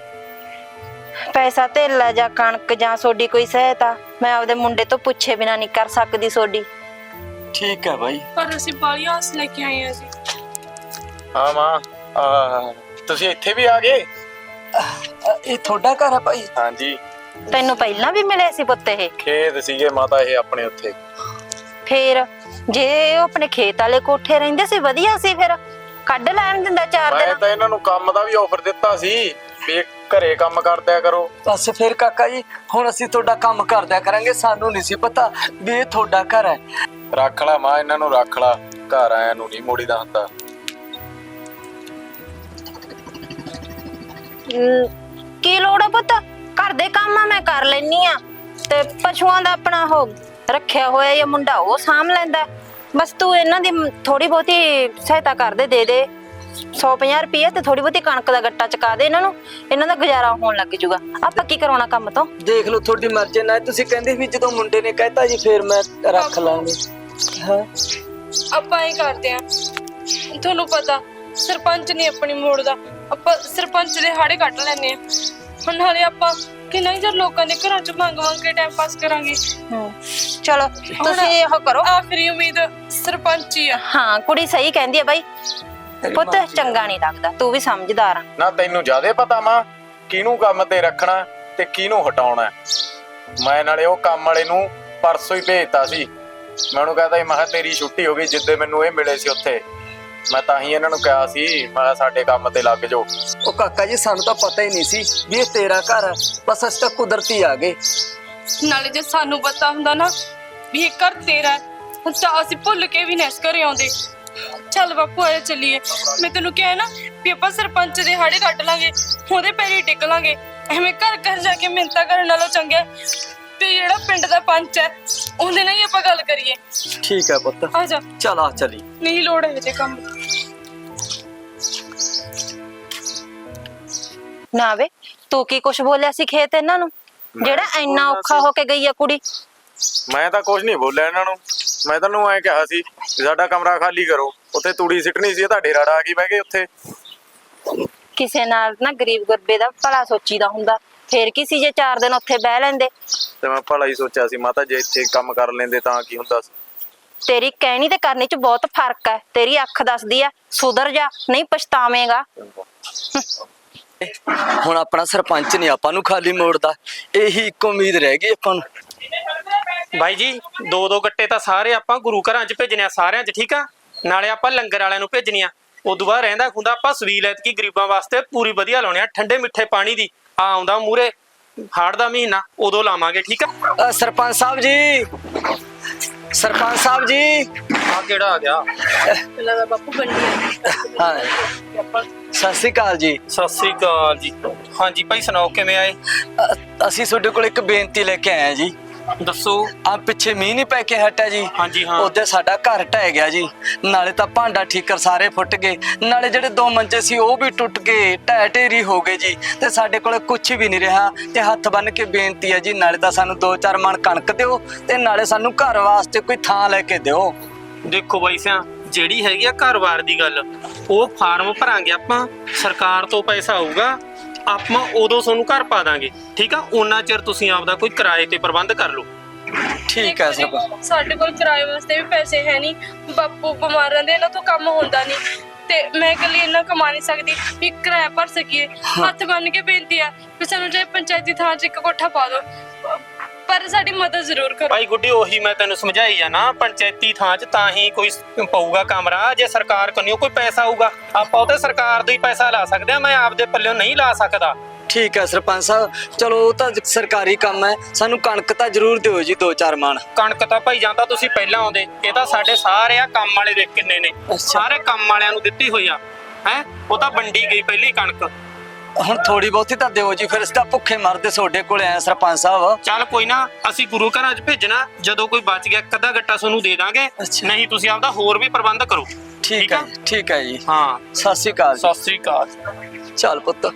Speaker 4: ਪੈਸਾ ਧੇਲਾ ਜਾਂ ਕਣਕ ਜਾਂ ਸੋਡੀ ਕੋਈ ਸਹਾਇਤਾ ਮੈਂ ਆਪਦੇ ਮੁੰਡੇ ਤੋਂ ਪੁੱਛੇ ਬਿਨਾ ਨਹੀਂ ਕਰ ਸਕਦੀ ਸੋਡੀ।
Speaker 3: ਠੀਕ ਹੈ ਭਾਈ।
Speaker 5: ਪਰ ਅਸੀਂ ਬਾਲੀ ਆਸ ਲੈ ਕੇ ਆਏ ਆ ਜੀ।
Speaker 1: ਹਾਂ ਮਾਂ, ਤੁਸੀਂ ਇੱਥੇ ਵੀ ਆ ਗਏ?
Speaker 3: ਇਹ ਤੁਹਾਡਾ ਘਰ ਹੈ ਭਾਈ?
Speaker 1: ਹਾਂਜੀ,
Speaker 4: ਤੈਨੂੰ ਪਹਿਲਾਂ ਵੀ ਮਿਲੇ ਸੀ ਪੁੱਤ ਇਹ?
Speaker 1: ਖੇਤ ਸੀਗੇ ਮਾਤਾ ਇਹ ਆਪਣੇ ਉੱਥੇ।
Speaker 4: ਫੇਰ ਜੇ ਉਹ ਆਪਣੇ ਖੇਤ ਵਾਲੇ ਕੋਠੇ ਰਹਿੰਦੇ ਸੀ ਵਧੀਆ ਸੀ, ਫਿਰ ਕੱਢ ਲੈਣ ਦਿੰਦਾ 4
Speaker 1: ਮੈਂ
Speaker 4: ਦਿਨ।
Speaker 1: ਤਾਂ ਇਹਨਾਂ ਨੂੰ ਕੰਮ ਦਾ ਵੀ ਆਫਰ ਦਿੱਤਾ ਸੀ ਵੀ ਘਰੇ ਕੰਮ ਕਰਦਿਆ ਕਰੋ।
Speaker 3: ਬਸ ਫਿਰ ਕਾਕਾ ਜੀ, ਹੁਣ ਅਸੀਂ ਤੁਹਾਡਾ ਕੰਮ ਕਰਦਿਆ ਕਰਾਂਗੇ। ਸਾਨੂੰ ਨਹੀਂ ਸੀ ਪਤਾ ਵੀ ਇਹ ਤੁਹਾਡਾ ਘਰ ਹੈ।
Speaker 1: ਰੱਖ ਲਾ ਮਾਂ, ਇਹਨਾਂ ਨੂੰ ਰੱਖ ਲਾ, ਘਰ ਆਇਆਂ ਨੂੰ ਨਹੀਂ ਮੋੜੀਦਾ ਹੁੰਦਾ।
Speaker 4: ਕੀ ਲੋੜ ਆ ਪੁੱਤ, ਘਰ ਦੇ ਕੰਮ ਆ ਮੈਂ ਕਰ ਲੈਨੀ ਆ, ਤੇ ਪਸ਼ੂਆਂ ਦਾ ਆਪਣਾ ਉਹ ਰੱਖਿਆ ਹੋਇਆ ਇਹ ਮੁੰਡਾ ਉਹ ਸਾਂਭ ਲੈਂਦਾ। ਬਸ ਤੂੰ ਇਹਨਾਂ ਦੀ ਥੋੜੀ ਬਹੁਤੀ ਸਹਾਇਤਾ ਕਰ ਦੇ 100-50 ਰੁਪਏ, ਤੇ ਥੋੜੀ ਬਹੁਤੀ ਕਣਕ ਦਾ ਗੱਟਾ ਚਕਾ ਦੇ ਇਹਨਾਂ ਨੂੰ, ਇਹਨਾਂ ਦਾ ਗੁਜ਼ਾਰਾ ਹੋਣ ਲੱਗ ਜੂਗਾ। ਆਪਾਂ ਕੀ ਕਰਾਉਣਾ ਕੰਮ ਤੋਂ?
Speaker 3: ਦੇਖ ਲਓ ਤੁਹਾਡੀ ਮਰਜ਼ੀ ਨਾਲ। ਤੁਸੀਂ ਕਹਿੰਦੇ ਵੀ ਜਦੋਂ ਮੁੰਡੇ ਨੇ ਕਹਿਤਾ ਜੀ ਫੇਰ ਮੈਂ ਰੱਖ ਲਾਂਗੀ। ਹਾਂ
Speaker 5: ਆਪਾਂ ਇਹ ਕਰਦੇ ਆ, ਤੁਹਾਨੂੰ ਪਤਾ ਸਰਪੰਚ ਨਹੀਂ ਆਪਣੀ ਮੋੜਦਾ, ਆਪਾਂ ਸਰਪੰਚ ਦੇ ਹਾੜੇ ਕੱਢ ਲੈਨੇ ਆ। ਹੁਣ ਨਾਲੇ ਆਪਾਂ ਕਿੰਨਾ ਹੀ ਚਿਰ ਲੋਕਾਂ ਦੇ ਘਰਾਂ ਚ ਮੰਗ ਕੇ ਟਾਈਮ ਪਾਸ ਕਰਾਂਗੇ।
Speaker 4: ਚਲੋ ਤੁਸੀਂ ਇਹੋ ਕਰੋ।
Speaker 5: ਆਖਰੀ ਉਮੀਦ ਸਰਪੰਚ ਹੀ ਆ।
Speaker 4: ਹਾਂ, ਕੁੜੀ ਸਹੀ ਕਹਿੰਦੀ ਆ ਬਾਈ, ਪੁੱਤ ਚੰਗਾ ਨਹੀਂ ਲੱਗਦਾ, ਤੂੰ ਵੀ ਸਮਝਦਾਰ ਆ।
Speaker 1: ਨਾ ਤੈਨੂੰ ਜ਼ਿਆਦੇ ਪਤਾ ਮਾਂ ਕਿਹਨੂੰ ਕੰਮ ਤੇ ਰੱਖਣਾ ਤੇ ਕਿਹਨੂੰ ਹਟਾਉਣਾ। ਮੈਂ ਨਾਲੇ ਉਹ ਕੰਮ ਵਾਲੇ ਨੂੰ ਪਰਸੋਂ ਹੀ ਭੇਜਤਾ ਸੀ। ਮੈਂ ਉਹਨੂੰ ਕਹਤਾ ਸੀ ਮੈਂ ਕਿਹਾ ਤੇਰੀ ਛੁੱਟੀ ਹੋ ਗਈ ਜਿੱਦੇ ਮੈਨੂੰ ਇਹ ਮਿਲੇ ਸੀ ਉੱਥੇ। ਮੈਂ ਤਾਂ ਹੀ ਇਹਨਾਂ ਨੂੰ ਕਿਹਾ ਸੀ ਮੈਂ ਕਿਹਾ ਸਾਡੇ ਕੰਮ ਤੇ ਲੱਗ ਜਾਓ।
Speaker 3: ਉਹ ਕਾਕਾ ਜੀ ਸਾਨੂੰ ਤਾਂ ਪਤਾ ਹੀ ਨਹੀਂ ਸੀ ਵੀ ਇਹ ਤੇਰਾ ਘਰ ਹੈ, ਬਸ ਅਸੀਂ ਤਾਂ ਕੁਦਰਤੀ ਆ ਗਏ।
Speaker 5: ਨਾਲੇ ਜੇ ਸਾਨੂੰ ਪਤਾ ਹੁੰਦਾ ਨਾ ਵੀ ਇਹ ਘਰ ਤੇਰਾ ਹੈ, ਤਾਂ ਅਸੀਂ ਭੁੱਲ ਕੇ ਵੀ ਨਾ ਇਸ ਘਰੇ ਆਉਂਦੇ। ਚੱਲ ਬਾਪੂ ਆਇਆ ਚੱਲੀਏ। ਮੈਂ ਤੈਨੂੰ ਕਿਹਾ ਨਾ ਵੀ ਆਪਾਂ ਸਰਪੰਚ ਦੇ ਹਾੜੇ ਕੱਢ ਲਾਂਗੇ, ਉਹਦੇ ਪੈਰੀ ਟਿਕ ਲਾਂਗੇ। ਐਵੇਂ ਘਰ ਘਰ ਜਾ ਕੇ ਮਿੰਨਤਾਂ ਕਰਨ ਨਾਲੋਂ ਚੰਗਾ ਤੇ ਜਿਹੜਾ ਪਿੰਡ ਦਾ ਪੰਚ ਹੈ ਉਹਦੇ ਨਾਲ ਹੀ ਆਪਾਂ ਗੱਲ ਕਰੀਏ।
Speaker 3: ਠੀਕ ਹੈ ਪੁੱਤ,
Speaker 5: ਆ ਜਾ।
Speaker 3: ਚੱਲ ਆ ਚਲੀ।
Speaker 5: ਨਹੀਂ ਲੋੜ ਹੈ ਤੇ ਕੰਮ
Speaker 4: ਨਾ ਵੇ ਤੂੰ ਕੀ ਕੁਛ ਬੋਲਿਆ ਸੀ ਖੇਤ ਇਹਨਾਂ ਨੂੰ, ਜਿਹੜਾ ਇੰਨਾ ਔਖਾ ਹੋ ਕੇ ਗਈ ਆ ਕੁੜੀ?
Speaker 1: ਮੈਂ ਤਾਂ ਕੁਝ ਨਹੀਂ ਬੋਲਿਆ ਇਹਨਾਂ ਨੂੰ। ਮੈਂ ਤੁਹਾਨੂੰ ਐਂ ਕਿਹਾ ਸੀ ਵੀ ਸਾਡਾ ਕਮਰਾ ਖਾਲੀ ਕਰੋ, ਉੱਥੇ ਤੂੜੀ ਸਿੱਟਣੀ ਸੀ, ਤੁਹਾਡੇ ਰਾੜਾ ਆ ਗਈ ਬਹਿ ਗਏ ਉੱਥੇ।
Speaker 4: ਕਿਸੇ ਨਾਲ ਨਾ ਗਰੀਬ ਗੁਰਬੇ ਦਾ ਭਲਾ ਸੋਚੀਦਾ ਹੁੰਦਾ, ਫੇਰ ਕੀ ਸੀ ਜੇ 4 ਦਿਨ ਉੱਥੇ ਬਹਿ ਲੈਂਦੇ।
Speaker 1: ਤੇ ਮੈਂ ਭਲਾ ਹੀ ਸੋਚਿਆ ਸੀ ਮਾਤਾ, ਜੇ ਇੱਥੇ ਕੰਮ ਕਰ ਲੈਂਦੇ ਤਾਂ ਕੀ ਹੁੰਦਾ ਸੀ।
Speaker 4: ਤੇਰੀ ਕਹਿਣੀ ਤੇ ਕਰਨੀ ਚ ਬਹੁਤ ਫਰਕ ਹੈ। ਤੇਰੀ ਅੱਖ ਦੱਸਦੀ ਆ ਸੁਧਰ ਜਾ, ਨਹੀਂ ਪਛਤਾਵੇਂਗਾ।
Speaker 3: ਹੁਣ ਆਪਣਾ ਸਰਪੰਚ ਨਹੀਂ ਆਪਾਂ ਨੂੰ ਖਾਲੀ ਮੋੜਦਾ, ਇਹੀ ਇੱਕ ਉਮੀਦ ਰਹਿ ਗਈ ਆਪਾਂ ਨੂੰ।
Speaker 6: ਬਾਈ ਜੀ 2-2 ਗੱਟੇ ਤਾਂ ਸਾਰੇ ਆਪਾਂ ਗੁਰੂ ਘਰਾਂ 'ਚ ਭੇਜਣੇ ਆ ਸਾਰਿਆਂ 'ਚ, ਠੀਕ ਆ। ਨਾਲੇ ਆਪਾਂ ਲੰਗਰ ਵਾਲਿਆਂ ਨੂੰ ਭੇਜਣੀ ਆ। ਉਦੋਂ ਬਾਅਦ ਰਹਿੰਦਾ ਖੁੰਦਾ ਆਪਾਂ ਸਵੀਲ ਐਤਕੀ ਗਰੀਬਾਂ ਵਾਸਤੇ ਪੂਰੀ ਵਧੀਆ ਲਾਉਣੇ ਆ, ਠੰਡੇ ਮਿੱਠੇ ਪਾਣੀ ਦੀ। ਆ ਆਉਂਦਾ ਮੂਰੇ ਹਾੜ ਦਾ ਮਹੀਨਾ, ਉਦੋਂ ਲਾਵਾਂਗੇ, ਠੀਕ ਆ।
Speaker 3: ਸਰਪੰਚ ਸਾਹਿਬ ਜੀ, ਸਰਪੰਚ ਸਾਹਿਬ ਜੀ।
Speaker 6: ਆ ਕਿਹੜਾ ਆ ਗਿਆ?
Speaker 5: ਪਹਿਲਾਂ ਦਾ ਬਾਪੂ ਬੰਡੀ
Speaker 3: ਹਾਂ ਸਤਿ ਸ੍ਰੀ ਅਕਾਲ ਜੀ।
Speaker 6: ਸਤਿ ਸ੍ਰੀ ਅਕਾਲ ਜੀ। ਹਾਂਜੀ ਭਾਈ ਸੁਣਾਓ ਕਿਵੇਂ ਆਏ?
Speaker 3: ਅਸੀਂ ਤੁਹਾਡੇ ਕੋਲ ਇੱਕ ਬੇਨਤੀ ਲੈ ਕੇ ਆਏ ਆ ਜੀ।
Speaker 6: ਦੱਸੋ।
Speaker 3: ਆ ਪਿੱਛੇ ਮੀਂਹ ਨਹੀਂ ਪੈ ਕੇ ਹਟਿਆ ਜੀ,
Speaker 6: ਹਾਂਜੀ ਹਾਂ।
Speaker 3: ਉਹਦੇ ਸਾਡਾ ਘਰ ਢਹਿ ਗਿਆ ਜੀ। ਨਾਲੇ ਤਾਂ ਭਾਂਡਾ ਠੀਕਰ ਸਾਰੇ ਫੁੱਟ ਗਏ, ਨਾਲੇ ਜਿਹੜੇ 2 ਮੰਜੇ ਸੀ ਉਹ ਵੀ ਟੁੱਟ ਗਏ, ਢਹਿ ਢੇਰੀ ਹੋ ਗਏ ਜੀ। ਤੇ ਸਾਡੇ ਕੋਲ ਕੁਝ ਵੀ ਨਹੀਂ ਰਿਹਾ। ਤੇ ਹੱਥ ਬੰਨ ਕੇ ਬੇਨਤੀ ਹੈ ਜੀ, ਨਾਲੇ ਤਾਂ ਸਾਨੂੰ 2-4 ਮਣ ਕਣਕ ਦਿਓ ਤੇ ਨਾਲੇ ਸਾਨੂੰ ਘਰ ਵਾਸਤੇ ਕੋਈ ਥਾਂ ਲੈ ਕੇ ਦਿਓ।
Speaker 6: ਦੇਖੋ ਬਾਈ ਸਿਆ, ਜਿਹੜੀ ਹੈਗੀ ਆ ਘਰ-ਬਾਰ ਦੀ ਗੱਲ, ਉਹ ਫਾਰਮ ਭਰਾਂਗੇ ਆਪਾਂ, ਸਰਕਾਰ ਤੋਂ ਪੈਸਾ ਆਊਗਾ, ਆਪਾਂ ਉਦੋਂ ਤੁਹਾਨੂੰ ਘਰ ਪਾ ਦਾਂਗੇ, ਠੀਕ ਆ। ਉਹਨਾਂ ਚਿਰ ਤੁਸੀਂ ਆਪਦਾ ਕੋਈ ਕਿਰਾਏ ਤੇ ਪ੍ਰਬੰਧ ਕਰ ਲਓ।
Speaker 3: ਠੀਕ ਹੈ ਸਰਪੰਚ।
Speaker 5: ਸਾਡੇ ਕੋਲ ਕਿਰਾਏ ਵਾਸਤੇ ਵੀ ਪੈਸੇ ਹੈ ਨਹੀਂ। ਬਾਪੂ ਬਿਮਾਰ ਰਹਿੰਦੇ, ਇਹਨਾਂ ਤੋਂ ਕੰਮ ਹੁੰਦਾ ਨਹੀਂ ਤੇ ਮੈਂ ਇਕੱਲੀ ਇੰਨਾ ਕਮਾ ਨਹੀਂ ਸਕਦੀ ਵੀ ਕਿਰਾਇਆ ਭਰ ਸਕੀਏ। ਹੱਥ ਬੰਨ ਕੇ ਬੇਨਤੀ ਆ ਵੀ ਸਾਨੂੰ ਜੇ ਪੰਚਾਇਤੀ ਥਾਂ 'ਚ ਇੱਕ ਕੋਠਾ ਪਾ ਦਿਓ, ਪਰ ਸਾਡੀ ਮਦਦ ਜ਼ਰੂਰ ਕਰੋ।
Speaker 6: ਭਾਈ ਗੁੱਡੀ ਉਹੀ ਮੈਂ ਤੈਨੂੰ ਸਮਝਾਈ ਆ ਨਾ, ਪੰਚਾਇਤੀ ਥਾਂ 'ਚ ਤਾਂ ਹੀ ਕੋਈ ਪਊਗਾ ਕਮਰਾ ਜੇ ਸਰਕਾਰ ਕੋਲੋਂ ਕੋਈ ਪੈਸਾ ਆਊਗਾ। ਆਪਾਂ ਉਹ ਤੇ ਸਰਕਾਰ ਦਾ ਹੀ ਪੈਸਾ ਲਾ ਸਕਦੇ ਆ, ਮੈਂ ਆਪਦੇ ਪੱਲਿਓਂ ਨਹੀਂ ਲਾ ਸਕਦਾ।
Speaker 3: ਠੀਕ ਹੈ ਸਰਪੰਚ ਸਾਹਿਬ, ਚਲੋ ਉਹ ਤਾਂ ਸਰਕਾਰੀ ਕੰਮ ਹੈ, ਸਾਨੂੰ ਕਣਕ ਤਾਂ ਜ਼ਰੂਰ ਦਿਓ ਜੀ 2-4 ਮਣ।
Speaker 6: ਕਣਕ ਤਾਂ ਭਾਈ ਜਾਂਦਾ ਤੁਸੀਂ ਪਹਿਲਾਂ ਆਉਂਦੇ, ਇਹ ਤਾਂ ਸਾਡੇ ਸਾਰੇ ਆ ਕੰਮ ਵਾਲੇ ਦੇਖ ਕਿੰਨੇ ਨੇ, ਸਾਰੇ ਕੰਮ ਵਾਲਿਆਂ ਨੂੰ ਦਿੱਤੀ ਹੋਈ ਆ ਹੈ। ਉਹ ਤਾਂ ਵੰਡੀ ਗਈ ਪਹਿਲੀ ਕਣਕ।
Speaker 3: ਹੁਣ ਥੋੜੀ ਬਹੁਤੀ ਤਾਂ ਦਿਓ ਜੀ, ਫਿਰ ਅਸੀਂ ਤਾਂ ਭੁੱਖੇ ਮਰਦੇ ਤੁਹਾਡੇ ਕੋਲ ਆਏ ਸਰਪੰਚ ਸਾਹਿਬ।
Speaker 6: ਚੱਲ ਕੋਈ ਨਾ, ਅਸੀਂ ਗੁਰੂ ਘਰਾਂ 'ਚ ਭੇਜਣਾ, ਜਦੋਂ ਕੋਈ ਬਚ ਗਿਆ ਅੱਧਾ ਗੱਟਾ ਤੁਹਾਨੂੰ ਦੇ ਦਾਂਗੇ, ਨਹੀਂ ਤੁਸੀਂ ਆਪਦਾ ਹੋਰ ਵੀ ਪ੍ਰਬੰਧ ਕਰੋ।
Speaker 3: ਠੀਕ ਹੈ, ਠੀਕ ਹੈ ਜੀ।
Speaker 6: ਹਾਂ
Speaker 3: ਸਤਿ ਸ੍ਰੀ ਅਕਾਲ।
Speaker 6: ਸਤਿ ਸ੍ਰੀ ਅਕਾਲ।
Speaker 3: ਚੱਲ ਪੁੱਤ।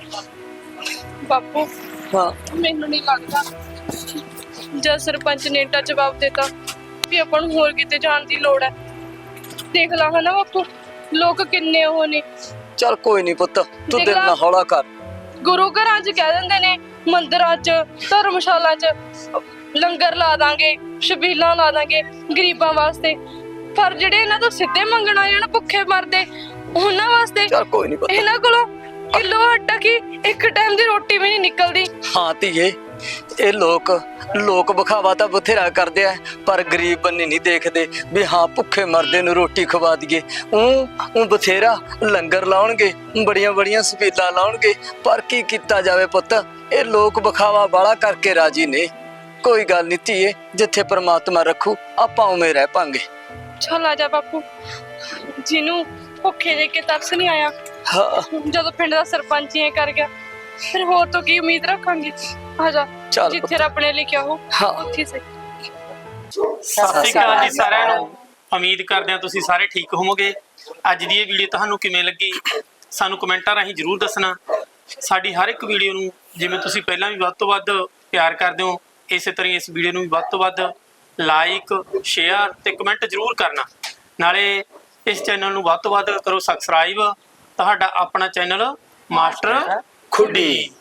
Speaker 5: ਬਾਪੂ
Speaker 3: ਹਾਂ
Speaker 5: ਮੈਨੂੰ ਨਹੀਂ ਲੱਗਦਾ ਜਦ ਸਰਪੰਚ ਨੇ ਏਡਾ ਜਵਾਬ ਦਿੱਤਾ ਵੀ ਆਪਾਂ ਨੂੰ ਹੋਰ ਕਿਤੇ ਜਾਣ ਦੀ ਲੋੜ ਹੈ। ਦੇਖ ਲਾ ਹਨਾ ਬਾਪੂ, ਲੋਕ ਕਿੰਨੇ ਉਹ ਨੇ।
Speaker 3: ਚੱਲ ਕੋਈ ਨਹੀਂ ਪੁੱਤ, ਤੂੰ
Speaker 5: ਦੇਖ
Speaker 3: ਦਿਲ
Speaker 5: ਲਾ।
Speaker 3: ਨਾ ਹੌਲਾ ਕਰ।
Speaker 5: ਗੁਰੂ ਘਰਾਂ 'ਚ ਕਹਿ ਦਿੰਦੇ ਨੇ, ਮੰਦਿਰਾਂ 'ਚ, ਧਰਮਸ਼ਾਲਾ 'ਚ ਲੰਗਰ ਲਾ ਦਾਂਗੇ, ਛਬੀਲਾਂ ਲਾ ਦਾਂਗੇ ਗਰੀਬਾਂ ਵਾਸਤੇ, ਪਰ ਜਿਹੜੇ ਇਹਨਾਂ ਤੋਂ ਸਿੱਧੇ ਮੰਗਣ ਆ ਜਾਣ ਭੁੱਖੇ ਮਰਦੇ, ਉਹਨਾਂ ਵਾਸਤੇ
Speaker 3: ਚੱਲ ਕੋਈ ਨਹੀਂ ਪੁੱਤ।
Speaker 5: ਇਹਨਾਂ ਕੋਲੋਂ ਕਿਲੋ ਆਟਾ ਕੀ ਇੱਕ ਟਾਈਮ ਦੀ ਰੋਟੀ ਵੀ ਨਹੀਂ ਨਿਕਲਦੀ।
Speaker 3: ਹਾਂ ਧੀਏ, ਇਹ ਲੋਕ ਵਿਖਾਵਾ ਤਾਂ ਬਥੇਰਾ ਕਰਦੇ ਆ, ਪਰ ਗਰੀਬ ਬੰਨੇ ਨਹੀਂ ਦੇਖਦੇ ਵੀ ਹਾਂ ਭੁੱਖੇ ਮਰਦੇ ਨੂੰ ਰੋਟੀ ਖਵਾ ਦਈਏ। ਉਹ ਬਥੇਰਾ ਲੰਗਰ ਲਾਉਣਗੇ, ਬੜੀਆਂ ਸਪੀਲਾਂ ਲਾਉਣਗੇ, ਪਰ ਕੀ ਕੀਤਾ ਜਾਵੇ ਪੁੱਤ, ਇਹ ਲੋਕ ਵਿਖਾਵਾ ਬਾਲਾ ਕਰਕੇ ਰਾਜੀ ਨੇ। ਕੋਈ ਗੱਲ ਨਹੀਂ ਧੀਏ, ਜਿੱਥੇ ਪ੍ਰਮਾਤਮਾ ਰੱਖੂ ਆਪਾਂ ਉਵੇਂ ਰਹਿ ਪਾਂਗੇ।
Speaker 5: ਚੱਲ ਆ ਜਾ ਬਾਪੂ, ਜਿਹਨੂੰ ਭੁੱਖੇ ਦੇ ਕੇ ਤਰਸ ਨਹੀਂ ਆਇਆ,
Speaker 3: ਹਾਂ
Speaker 5: ਜਦੋਂ ਪਿੰਡ ਦਾ ਸਰਪੰਚ ਹੀ ਇਹ ਕਰ ਗਿਆ, ਫਿਰ ਹੋਰ ਤੋਂ ਕੀ ਉਮੀਦ ਰੱਖਾਂਗੇ। ਆ ਜਾ,
Speaker 3: ਚੱਲ
Speaker 5: ਜਿੱਥੇ ਰੱਬ ਨੇ ਲਿਖਿਆ ਹੋ
Speaker 3: ਹਾਂ।
Speaker 5: ਉੱਥੇ ਸਹੀ।
Speaker 6: ਸਤਿ ਸ੍ਰੀ ਅਕਾਲ ਜੀ ਸਾਰਿਆਂ ਨੂੰ। ਉਮੀਦ ਕਰਦੇ ਹਾਂ ਤੁਸੀਂ ਸਾਰੇ ਠੀਕ ਹੋਵੋਗੇ। ਅੱਜ ਦੀ ਇਹ ਵੀਡੀਓ ਤੁਹਾਨੂੰ ਕਿਵੇਂ ਲੱਗੀ ਸਾਨੂੰ ਕਮੈਂਟਾਂ ਰਾਹੀਂ ਜਰੂਰ ਦੱਸਣਾ। ਸਾਡੀ ਹਰ ਇੱਕ ਵੀਡੀਓ ਨੂੰ ਜਿਵੇਂ ਤੁਸੀਂ ਪਹਿਲਾਂ ਵੀ ਵੱਧ ਤੋਂ ਵੱਧ ਪਿਆਰ ਕਰਦੇ ਹੋ, ਇਸੇ ਤਰ੍ਹਾਂ ਇਸ ਵੀਡੀਓ ਨੂੰ ਵੀ ਵੱਧ ਤੋਂ ਵੱਧ ਲਾਈਕ, ਸ਼ੇਅਰ ਤੇ ਕਮੈਂਟ ਜਰੂਰ ਕਰਨਾ। ਨਾਲੇ ਇਸ ਚੈਨਲ ਨੂੰ ਵੱਧ ਤੋਂ ਵੱਧ ਕਰੋ ਸਬਸਕ੍ਰਾਈਬ। ਤੁਹਾਡਾ ਆਪਣਾ ਚੈਨਲ ਮਾਸਟਰ ਖੁੱਡੀ।